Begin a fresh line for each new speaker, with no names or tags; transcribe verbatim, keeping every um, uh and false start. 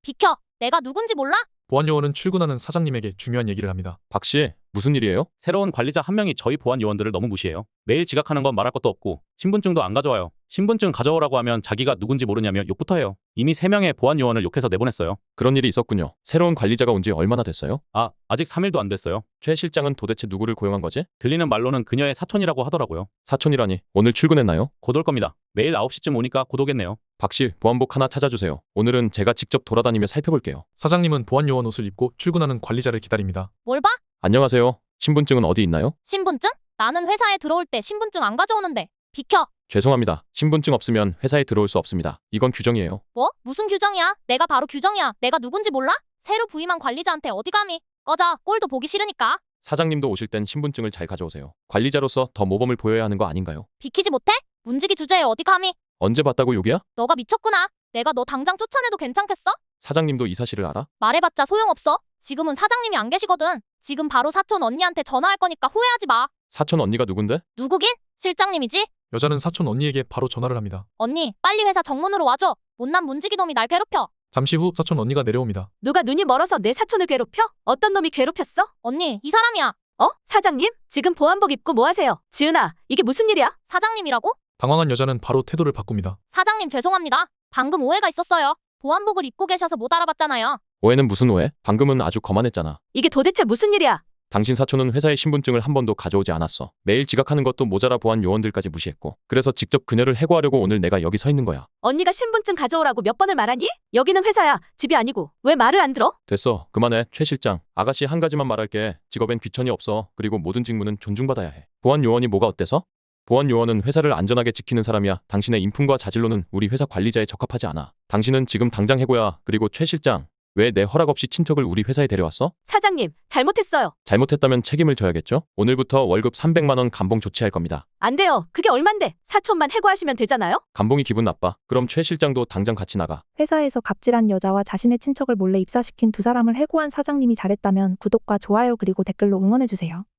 비켜! 내가 누군지 몰라?
보안 요원은 출근하는 사장님에게 중요한 얘기를 합니다.
박 씨, 무슨 일이에요?
새로운 관리자 한 명이 저희 보안 요원들을 너무 무시해요. 매일 지각하는 건 말할 것도 없고 신분증도 안 가져와요. 신분증 가져오라고 하면 자기가 누군지 모르냐며 욕부터 해요. 이미 세 명의 보안 요원을 욕해서 내보냈어요.
그런 일이 있었군요. 새로운 관리자가 온 지 얼마나 됐어요?
아, 아직 삼 일도 안 됐어요.
최 실장은 도대체 누구를 고용한 거지?
들리는 말로는 그녀의 사촌이라고 하더라고요.
사촌이라니, 오늘 출근했나요?
곧 올 겁니다. 매일 아홉 시쯤 오니까 곧 오겠네요.
박 씨, 보안복 하나 찾아주세요. 오늘은 제가 직접 돌아다니며 살펴볼게요.
사장님은 보안 요원 옷을 입고 출근하는 관리자를 기다립니다.
뭘 봐?
안녕하세요. 신분증은 어디 있나요?
신분증? 나는 회사에 들어올 때 신분증 안 가져오는데. 비켜!
죄송합니다. 신분증 없으면 회사에 들어올 수 없습니다. 이건 규정이에요.
뭐? 무슨 규정이야? 내가 바로 규정이야. 내가 누군지 몰라? 새로 부임한 관리자한테 어디 감히? 꺼져. 꼴도 보기 싫으니까.
사장님도 오실 땐 신분증을 잘 가져오세요. 관리자로서 더 모범을 보여야 하는 거 아닌가요?
비키지 못해? 문지기 주제에 어디 감히?
언제 봤다고 욕이야?
너가 미쳤구나. 내가 너 당장 쫓아내도 괜찮겠어?
사장님도 이 사실을 알아?
말해봤자 소용없어. 지금은 사장님이 안 계시거든. 지금 바로 사촌 언니한테 전화할 거니까 후회하지 마.
사촌 언니가 누군데?
누구긴? 실장님이지?
여자는 사촌 언니에게 바로 전화를 합니다.
언니, 빨리 회사 정문으로 와줘. 못난 문지기 놈이 날 괴롭혀.
잠시 후 사촌 언니가 내려옵니다.
누가 눈이 멀어서 내 사촌을 괴롭혀? 어떤 놈이 괴롭혔어?
언니, 이 사람이야.
어? 사장님? 지금 보안복 입고 뭐 하세요? 지은아, 이게 무슨 일이야?
사장님이라고?
당황한 여자는 바로 태도를 바꿉니다.
사장님 죄송합니다. 방금 오해가 있었어요. 보안복을 입고 계셔서 못 알아봤잖아요.
오해는 무슨 오해? 방금은 아주 거만했잖아.
이게 도대체 무슨 일이야?
당신 사촌은 회사에 신분증을 한 번도 가져오지 않았어. 매일 지각하는 것도 모자라 보안 요원들까지 무시했고. 그래서 직접 그녀를 해고하려고 오늘 내가 여기 서 있는 거야.
언니가 신분증 가져오라고 몇 번을 말하니? 여기는 회사야, 집이 아니고. 왜 말을 안 들어?
됐어. 그만해. 최 실장. 아가씨 한 가지만 말할게. 직업엔 귀천이 없어. 그리고 모든 직무는 존중받아야 해. 보안 요원이 뭐가 어때서? 보안 요원은 회사를 안전하게 지키는 사람이야. 당신의 인품과 자질로는 우리 회사 관리자에 적합하지 않아. 당신은 지금 당장 해고야. 그리고 최 실장. 왜 내 허락 없이 친척을 우리 회사에 데려왔어?
사장님, 잘못했어요.
잘못했다면 책임을 져야겠죠? 오늘부터 월급 삼백만 원 감봉 조치할 겁니다.
안 돼요. 그게 얼만데? 사촌만 해고하시면 되잖아요?
감봉이 기분 나빠. 그럼 최 실장도 당장 같이 나가.
회사에서 갑질한 여자와 자신의 친척을 몰래 입사시킨 두 사람을 해고한 사장님이 잘했다면 구독과 좋아요 그리고 댓글로 응원해주세요.